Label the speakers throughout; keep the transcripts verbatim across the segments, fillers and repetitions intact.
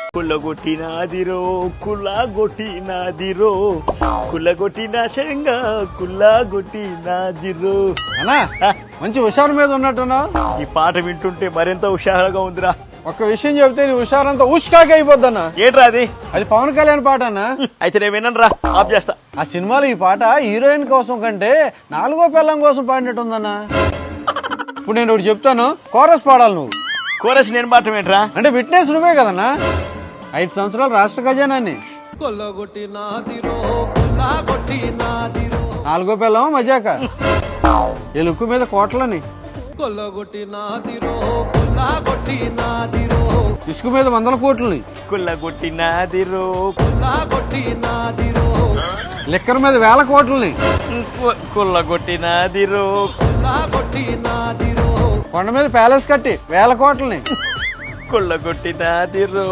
Speaker 1: కుల్లగొట్టినాదిరో కుల్లగొట్టినాదిరో కుల్లగొట్టిన శంగా కుల్లగొట్టినాదిరో.
Speaker 2: అన్నా మంచి హుషారు మీద ఉన్నట్టున్నావు.
Speaker 1: ఈ పాట వింటుంటే మరింత హుషారుగా ఉందిరా.
Speaker 2: ఒక్క విషయం చెప్తే నీ హుషారంతా ఉష్కాకి అయిపోద్దన్నా.
Speaker 1: ఏంట్రా అది?
Speaker 2: అది పవన్ కళ్యాణ్ పాట అన్నా.
Speaker 1: అయితే నేను వినను రా, ఆఫ్ చేస్తా.
Speaker 2: ఆ సినిమాలో ఈ పాట హీరోయిన్ కోసం కంటే నాలుగో పిల్లం కోసం పాడినట్టుందన్నా. ఇప్పుడు నేను ఒకటి చెప్తాను, కోరస్ పాడాలి నువ్వు.
Speaker 1: కోరస్ నేను పాడటం ఏంట్రా?
Speaker 2: అంటే విట్నెస్ నువ్వే కదన్నా. ఐదు సంవత్సరాలు రాష్ట్ర ఖజానాన్ని నాలుగో పిల్లం మజాక ఎలుక్కు మీద కోట్లని ఇసుక మీద వందల కోట్లని
Speaker 1: కుల్లగొట్టినాదిరో
Speaker 2: లిక్కర్ మీద వేల కోట్లని
Speaker 1: కుల్లగొట్టినాదిరో
Speaker 2: కొండ మీద ప్యాలెస్ కట్టి వేల కోట్లని
Speaker 1: కుల్లగొట్టినాదిరో.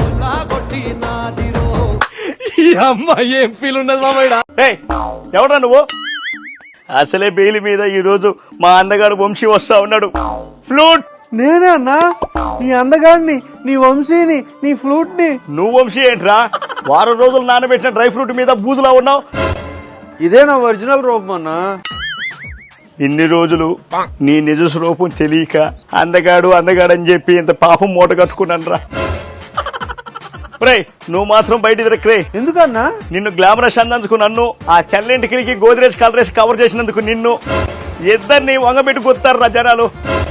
Speaker 1: అమ్మాయి ఏం ఫీల్ ఉన్నది మామయ్య? ఎవడా నువ్వు? అసలే బెయిల్ మీద ఈ రోజు మా అందగాడు వంశీ వస్తా ఉన్నాడు. ఫ్లూట్
Speaker 2: నేనే అన్నా, నీ అందగాడిని, నీ వంశీని, నీ ఫ్లూట్ ని.
Speaker 1: నువ్వు వంశీ ఏంట్రా? వారం రోజులు నానబెట్టిన డ్రై ఫ్రూట్ మీద బూజులా ఉన్నావు.
Speaker 2: ఇదే నా ఒరిజినల్ రూపం అన్నా.
Speaker 1: ఇన్ని రోజులు నీ నిజ స్వరూపం తెలియక అందగాడు అందగాడు అని చెప్పి ఇంత పాపం మూట కట్టుకున్నాను రా. రే నువ్వు మాత్రం బయట తిరగరే.
Speaker 2: ఎందుకన్నా?
Speaker 1: నిన్ను గ్లామరస్ అన్నందుకు నన్ను, ఆ చల్లింటికి గోద్రేజ్ కలరేసి కవర్ చేసినందుకు నిన్ను, ఇద్దరిని వంగబెట్టి కొత్తారు రా జనాలు.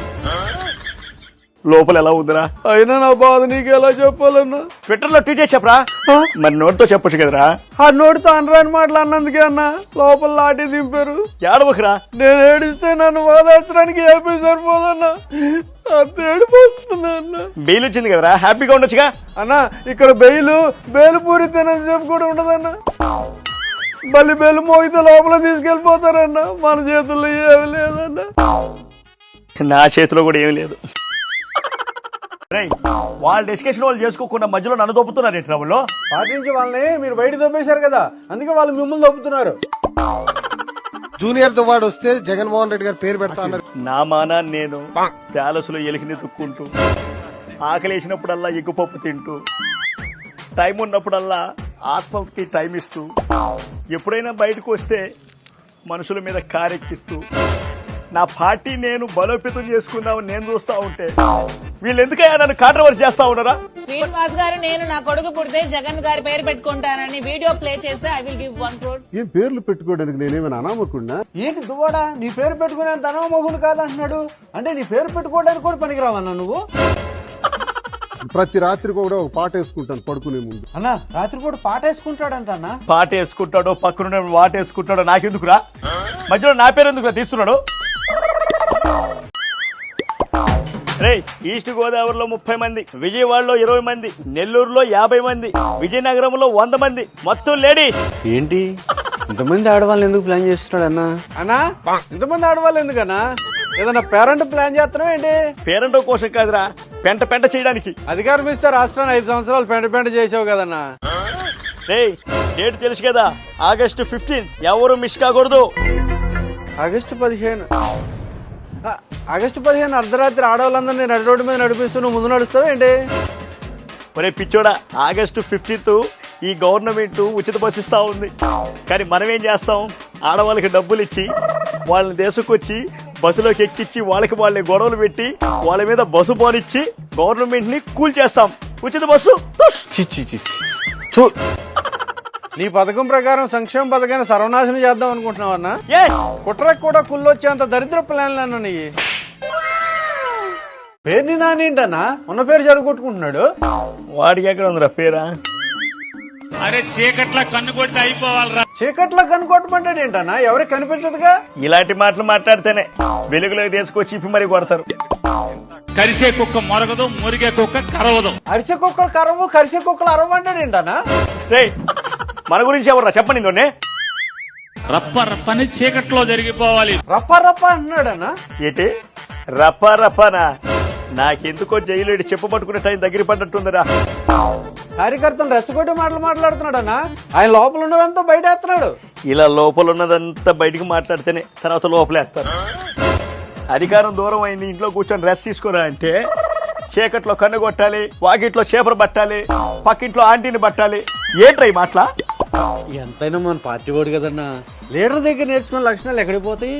Speaker 1: లోపల ఎలా ఉందిరా?
Speaker 2: అయినా నా బాధ నీకు ఎలా చెప్పాలన్నా?
Speaker 1: ట్విట్టర్ లో ట్వీట్ చేసి చెప్పరా. మరి నోటితో చెప్పొచ్చు కదరా.
Speaker 2: ఆ నోటితో అనరాని మాటలు అన్నందుకే అన్నా లోపల లాఠీ దింపారు.
Speaker 1: ఏడవకురా.
Speaker 2: నేను ఏడిస్తే నన్ను వాదార్చడానికి ఏపీ సరిపోదన్నా. అంత ఏడిపోతున్నా అన్న.
Speaker 1: బెయిల్ వచ్చింది కదరా, హ్యాపీగా ఉండొచ్చుగా.
Speaker 2: అన్నా ఇక్కడ బెయిల్ బెయిల్ పూరి తినేసేపు కూడా ఉండదన్నా. మళ్ళీ బెయిల్ మోగితే లోపల తీసుకెళ్లిపోతారన్నా. మన చేతుల్లో ఏమి లేదన్నా.
Speaker 1: నా చేతిలో కూడా ఏమి లేదు. వాళ్ళ డిస్కషన్ వాళ్ళు చేసుకోకుండా మధ్యలో నన్ను దొప్పుతున్నారు ఏంటి? ట్రబుల్లో
Speaker 2: పాటించి వాళ్ళని మీరు బయట దొబ్బేశారు కదా, అందుకే వాళ్ళు మిమ్మల్ని దొప్పుతున్నారు. జూనియర్ తో వాడు వస్తే జగన్మోహన్ రెడ్డి గారు పేరు పెడతా అన్నారు.
Speaker 1: నా మానా నేను ప్యాలెస్ లో ఎలికిని తుక్కుంటూ, ఆకలేసినప్పుడల్లా ఎగ్గుపప్పు తింటూ, టైం ఉన్నప్పుడల్లా ఆత్మకి టైం ఇస్తూ, ఎప్పుడైనా బయటకు వస్తే మనుషుల మీద కారెక్కిస్తూ, నా పార్టీ నేను బలోపేతం చేసుకుందామని నేను చూస్తా ఉంటే వీళ్ళు ఎందుకయ్యా నన్ను కాంట్రవర్సీ చేస్తా ఉన్నారా?
Speaker 3: శ్రీనివాస్ గారు నేను నా కొడుకు పుడితే జగన్ గారి పేరు పెట్టుకుంటానని వీడియో ప్లే చేస్తే I will give one crore.
Speaker 4: ఏం పేర్లు పెట్టుకోవడానికి నేనేమైనా అనామకుండా?
Speaker 2: ఏంటి దువ్వాడా, నీ పేరు పెట్టుకునేంత అనామకుడు కాదంటున్నాడు. అంటే నీ పేరు పెట్టుకోవడానికి కూడా పనికిరావన్నా నువ్వు?
Speaker 4: ప్రతి రాత్రి కూడా ఒక పాట వేసుకుంటాను పడుకునే ముందు.
Speaker 2: అన్నా రాత్రి కూడా పాట వేసుకుంటాడంట అన్న.
Speaker 1: పాట వేసుకుంటాడో పక్కన వాట వేసుకుంటాడో నాకెందుకురా? మధ్యలో నా పేరు ఎందుకురా తీస్తున్నాడు? రే ఈస్ట్ గోదావరిలో ముప్పై మంది, విజయవాడలో ఇరవై మంది, నెల్లూరులో యాభై మంది, విజయనగరంలో వంద మంది, మొత్తం లేడీస్.
Speaker 2: ఏంటి ఇంతమంది ఆడవాళ్ళని ఎందుకు ప్లాన్ చేస్తున్నాడు అన్నా? అన్నా ఇంతమంది ఆడవాళ్ళు ఎందుకన్నా? ఏదన్నా పేరెంట్ ప్లాన్ చేస్తున్నావు ఏంటి?
Speaker 1: పేరెంట్ కోసం కాదురా, పెంట పెంట చేయడానికి.
Speaker 2: అధికారం ఇస్తే రాష్ట్రాన్ని ఐదు సంవత్సరాలు పెంట పెంట చేసావు కదన్నా.
Speaker 1: రే డేట్ తెలుసు కదా, ఆగస్టు ఫిఫ్టీన్, ఎవరు మిస్ కాకూడదు.
Speaker 2: ఆగస్టు పదిహేను ఆగస్టు పదిహేను అర్ధరాత్రి ఆడవాళ్ళందరినీ నడి రోడ్డు మీద నడిపిస్తూ నువ్వు ముందు నడుస్తావు ఏంటి?
Speaker 1: ఒరే పిచ్చోడా, ఆగస్టు ఫిఫ్టీన్త్ ఈ గవర్నమెంట్ ఉచిత బస్సు ఇస్తా ఉంది. కానీ మనం ఏం చేస్తాం? ఆడవాళ్ళకి డబ్బులు ఇచ్చి వాళ్ళని దేశకొచ్చి బస్సులోకి ఎక్కించి వాళ్ళకి వాళ్ళని గొడవలు పెట్టి వాళ్ళ మీద బస్సు పోనిచ్చి గవర్నమెంట్ ని కూల్ చేస్తాం. ఉచిత బస్సు
Speaker 2: నీ పథకం ప్రకారం సంక్షేమ పథకాన్ని సర్వనాశనం చేద్దాం అనుకుంటున్నావు అన్నా? కుట్రకు కూడా కుళ్ళొచ్చేంత దరిద్ర ప్లాన్లు అన్నా నీ. పేరుని నానేంటన్నా ఉన్న పేరు జరుగుకుంటున్నాడు.
Speaker 1: వాడికి ఎక్కడ ఉందిరా పేరా?
Speaker 5: అరే చీకట్లా కన్ను కొడితే అయిపోవాలరా.
Speaker 2: చీకట్లో కన్ను కొట్టమంటాడు ఏంటన్నా? ఎవరికి కనిపించదుగా.
Speaker 1: ఇలాంటి మాటలు మాట్లాడితేనే వెలుగులోకి తీసుకొచ్చి ఇప్పి మరీ కొడతారు.
Speaker 5: కరిసే కుక్క మొరగదు, మురిగే కుక్క కరవదు.
Speaker 2: అరిసే కుక్కలు కరవు, కరిసే కుక్కలు అరవు అంటాడు ఏంటన్నా?
Speaker 1: రే మన గురించి ఎవర్రా చెప్పండి. ఇందోనే
Speaker 5: రప్ప రప్పని చీకట్లో జరిగిపోవాలి.
Speaker 2: రప్ప రప్ప అంటున్నాడన్నా.
Speaker 1: ఏంటి రప్ప రప్పనా? నాకెందుకో జైలు చెప్ప పట్టుకునే టైం దగ్గర పడ్డట్టుందిరా.
Speaker 2: కార్యకర్తను రెచ్చగొట్టి మాటలు మాట్లాడుతున్నాడన్నా. ఆయన లోపల ఉన్నదంతా బయట వేస్తున్నాడు.
Speaker 1: ఇలా లోపల ఉన్నదంతా బయటికి మాట్లాడితేనే తర్వాత లోపలేస్తారు. అధికారం దూరం అయింది, ఇంట్లో కూర్చొని రెస్ట్ తీసుకోరా అంటే చీకట్లో కన్ను కొట్టాలి, వాకిట్లో చేపలు పట్టాలి, పక్కింట్లో ఆంటీని పట్టాలి. ఏంట్రా ఈ మాటలా?
Speaker 2: ఎంతైనా మన పార్టీ వాడు కదన్నా, లీడర్ దగ్గర నేర్చుకున్న లక్షణాలు ఎక్కడికి పోతాయి?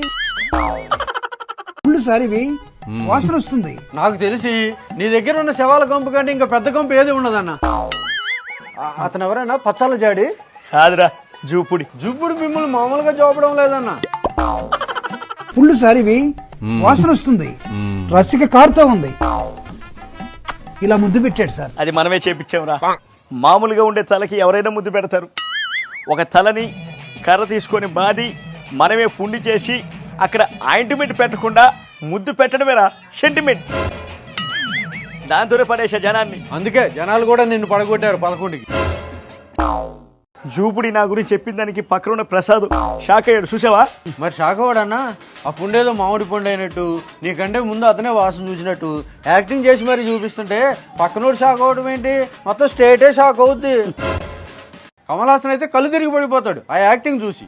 Speaker 6: సారివి వాసన వస్తుంది.
Speaker 2: నాకు తెలిసి నీ దగ్గర ఉన్న శవాల కంపు కంటే ఇంకా పెద్ద కంపు ఏది ఉండదన్న. అతను ఎవరైనా పచ్చాల జాడి
Speaker 1: కాదురా, జూపుడి.
Speaker 2: జూపుడు మిమ్మల్ని మామూలుగా చూపడం లేదన్న.
Speaker 6: పుల్లు సారివి వాసన వస్తుంది, రసిక కారుతో ఉంది. ఇలా ముద్దు పెట్టాడు సార్.
Speaker 1: అది మనమే చేపించాంరా. మామూలుగా ఉండే తలకి ఎవరైనా ముద్దు పెడతారు. ఒక తలని కర్ర తీసుకొని బాది మనమే పుండి చేసి అక్కడ ఆయింట్మెంట్ పెట్టకుండా ముద్దు పెట్టడమేరా సెంటిమెంట్. దాంతోనే పడేసా జనాన్ని.
Speaker 2: అందుకే జనాలు కూడా నిన్ను పడగొట్టారు పదకొండుకి.
Speaker 1: జూపుడి నా గురించి చెప్పిన దానికి పక్కన ఉన్న ప్రసాద్ షాక్ అయ్యాడు, చూసావా?
Speaker 2: మరి షాక్ అవ్వడన్నా? ఆ పుండేదో మామిడి పుండు అయినట్టు, నీకంటే ముందు అతనే వాసన చూసినట్టు యాక్టింగ్ చేసి మరి చూపిస్తుంటే పక్కనోడు షాక్ అవ్వడం ఏంటి? మొత్తం స్టేటే షాక్ అవుద్ది. కమల్ హాసన్ అయితే కళ్ళు తిరిగి పడిపోతాడు ఆ యాక్టింగ్ చూసి.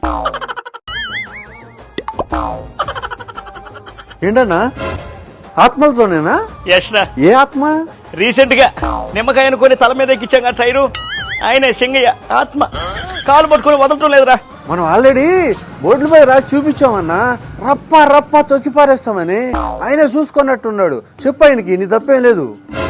Speaker 2: ఏంటన్నా, ఆత్మలతోనేనా?
Speaker 1: యష్నా,
Speaker 2: ఏ ఆత్మ?
Speaker 1: రీసెంట్ గా నిమ్మకాయ అనుకొని తల మీద ఎక్కించాం ఆ టైరు. ఆయన సింగయ్య ఆత్మ కాలు పట్టుకొని వదలటం లేదురా.
Speaker 2: మనం ఆల్రెడీ బోర్డులపై రాసి చూపించామన్నా, రప్ప రప్ప తొక్కి పారేస్తామని. ఆయనే చూసుకున్నట్టున్నాడు. చెప్పు ఆయనకి, నీ తప్పేం లేదు.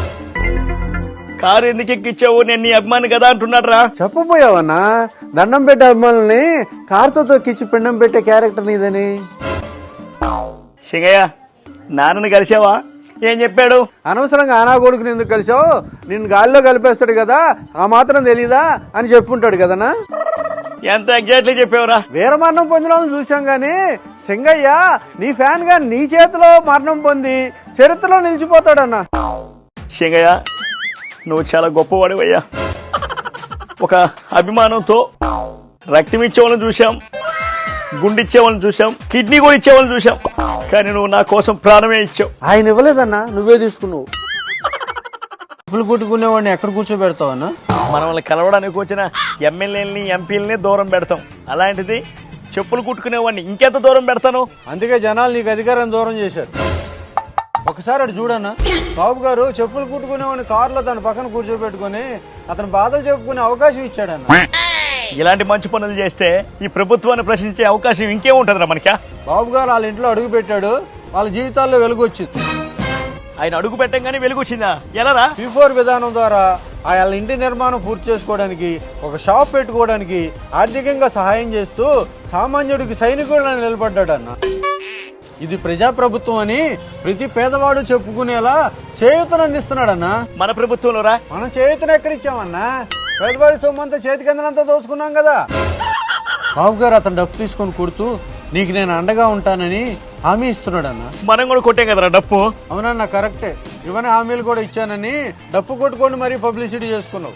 Speaker 1: కారు ఎందుకు ఎక్కించావు, నేను నీ అభిమాని కదా అంటున్నాడు రా.
Speaker 2: చెప్పబోయావన్నా, దండం పెట్టే అభిమానుల్ని కారుతో తొక్కిచ్చి పిండం పెట్టే క్యారెక్టర్ నీదని.
Speaker 1: సింగయ్య, నాన్నని కలిసావా? ఏం చెప్పాడు?
Speaker 2: అనవసరంగా ఆనా కొడుకుని ఎందుకు కలిసావు, నిన్ను గాలిలో కలిపేస్తాడు కదా, ఆ మాత్రం తెలీదా అని చెప్పుంటాడు కదనా.
Speaker 1: ఎంత ఎగ్జాక్ట్లీ చెప్పావురా.
Speaker 2: వీరమరణం పొందిన వాళ్ళని చూసాం గాని సింగయ్య నీ ఫ్యాన్ గా నీ చేతిలో మరణం పొంది చరిత్రలో నిలిచిపోతాడన్నా.
Speaker 1: సింగయ్య, నువ్వు చాలా గొప్పవాడివయ్యా. ఒక అభిమానంతో రక్తం ఇచ్చేవాళ్ళని చూసాం, గుండె ఇచ్చేవాళ్ళని చూసాం, కిడ్నీ కూడా ఇచ్చేవాళ్ళని చూసాం, కానీ నువ్వు నా కోసం ప్రాణమే ఇచ్చావు.
Speaker 2: ఆయన ఇవ్వలేదన్నా, నువ్వే తీసుకున్నావు. చెప్పులు కుట్టుకునేవాడిని ఎక్కడ కూర్చోబెడతావన్నా?
Speaker 1: మనల్ని కలవడానికి వచ్చిన ఎమ్మెల్యేలని ఎంపీలని దూరం పెడతాం, అలాంటిది చెప్పులు కుట్టుకునేవాడిని ఇంకెంత దూరం పెడతాను?
Speaker 2: అందుకే జనాలు నీకు అధికారం దూరం చేశారు. ఒకసారి అటు చూడన్నా, బాబు గారు చెప్పులు కుట్టుకునేవాడిని కారులో తన పక్కన కూర్చోబెట్టుకుని అతను బాధలు చెప్పుకునే అవకాశం ఇచ్చాడన్న.
Speaker 1: ఇలాంటి మంచి పనులు చేస్తే ఈ ప్రభుత్వాన్ని ప్రశ్నించే అవకాశం ఇంకేముంటదిరా మనకా?
Speaker 2: బాబు గారు వాళ్ళ ఇంట్లో అడుగు పెట్టాడు, వాళ్ళ జీవితాల్లో వెలుగు వచ్చింది.
Speaker 1: ఆయన అడుగు పెట్టంగానే వెలుగు వచ్చిందా? ఎలారా?
Speaker 2: పీ ఫోర్ విధానం ద్వారా వాళ్ళ ఇంటి నిర్మాణం పూర్తి చేసుకోవడానికి, ఒక షాప్ పెట్టుకోవడానికి ఆర్థికంగా సహాయం చేస్తూ సామాన్యుడికి సైనికుడిని నిలబడ్డాడన్న. ఇది ప్రజాప్రభుత్వం అని ప్రతి పేదవాడు చెప్పుకునేలా చేయూతను అందిస్తున్నాడన్నా.
Speaker 1: మన ప్రభుత్వంలో రా.
Speaker 2: మనం చేయూతను ఎక్కడిచ్చామన్నా? పేదవాడి సొమ్మంతా చేతికి అందినంతా దోచుకున్నాం కదా. బాబు గారు అతను డబ్బు తీసుకొని కొడుతూ నీకు నేను అండగా ఉంటానని హామీ ఇస్తున్నాడన్నా.
Speaker 1: మనం కూడా కొట్టాం కదరా డప్పు.
Speaker 2: అవునన్నా, కరెక్టే. ఇవన్నీ హామీలు కూడా ఇచ్చానని డప్పు కొట్టుకొని మరీ పబ్లిసిటీ చేసుకున్నావు.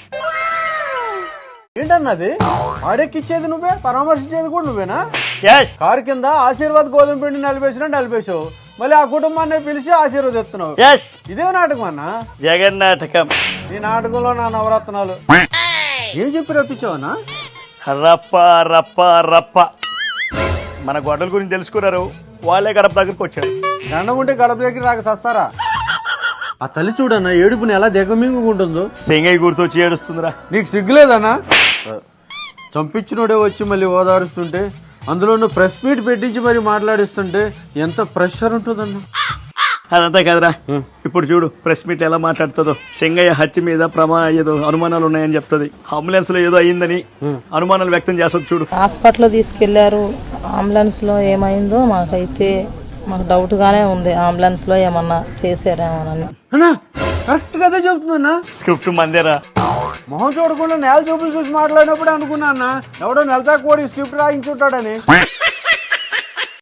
Speaker 2: ఏంటన్నది? ఆడెక్కిచ్చేది నువ్వే, పరామర్శించేది కూడా నువ్వేనా? కారు కింద ఆశీర్వాద్ గోధుమ పిండి నలిపేసినా నలిపేసావు, మళ్ళీ ఆ కుటుంబాన్ని పిలిచి ఆశీర్వదిస్తున్నావు. ఇదే నాటకం అన్నా?
Speaker 1: జగన్ నాటకం.
Speaker 2: ఈ నాటకంలో నా నవరత్నాలు ఏం చెప్పి రప్పించావన్నా?
Speaker 1: రప్ప రప్ప రప్ప. మన గొడవల గురించి తెలుసుకున్నారు, వాళ్ళే గడప దగ్గరకు వచ్చారు.
Speaker 2: దండం ఉంటే గడప దగ్గర రాక సస్తారా? ఆ తల్లి చూడన్నా ఏడుపుని ఎలా దిగమింగుకుంటుందో.
Speaker 1: సింగయ్య గుర్తొచ్చి ఏడుస్తుందిరా.
Speaker 2: నీకు సిగ్గులేదన్నా? చంపించినోడే వచ్చి మళ్ళీ ఓదారుస్తుంటే, అందులో ప్రెస్ మీట్ పెట్టించి మరి మాట్లాడిస్తుంటే ఎంత ప్రెషర్ ఉంటుందన్నా.
Speaker 1: అదంతా కదరా, ఇప్పుడు చూడు ప్రెస్ మీట్ ఎలా మాట్లాడుతుందో. సింగయ్య హత్య మీద ప్రమా ఏదో అనుమానాలు ఉన్నాయని చెప్తుంది, అంబులెన్స్ లో ఏదో అయిందని అనుమానాలు వ్యక్తం చేస్తుంది. చూడు,
Speaker 7: హాస్పిటల్ తీసుకెళ్లారు, అంబులెన్స్ లో ఏమైందో మాకైతే మాకు డౌట్ గానే ఉంది. అంబులెన్స్ లో ఏమన్నా చేశారేమోనని.
Speaker 2: కరెక్ట్ గా చెప్తుందన్నా.
Speaker 1: స్క్రిప్ట్ మందేరా.
Speaker 2: మొహం చూడకుండా నేల చూపులు చూసి మాట్లాడినప్పుడు అనుకున్నా అన్న, ఎవడో నెలతా కోడి స్క్రిప్ట్ రాయించుంటాడని.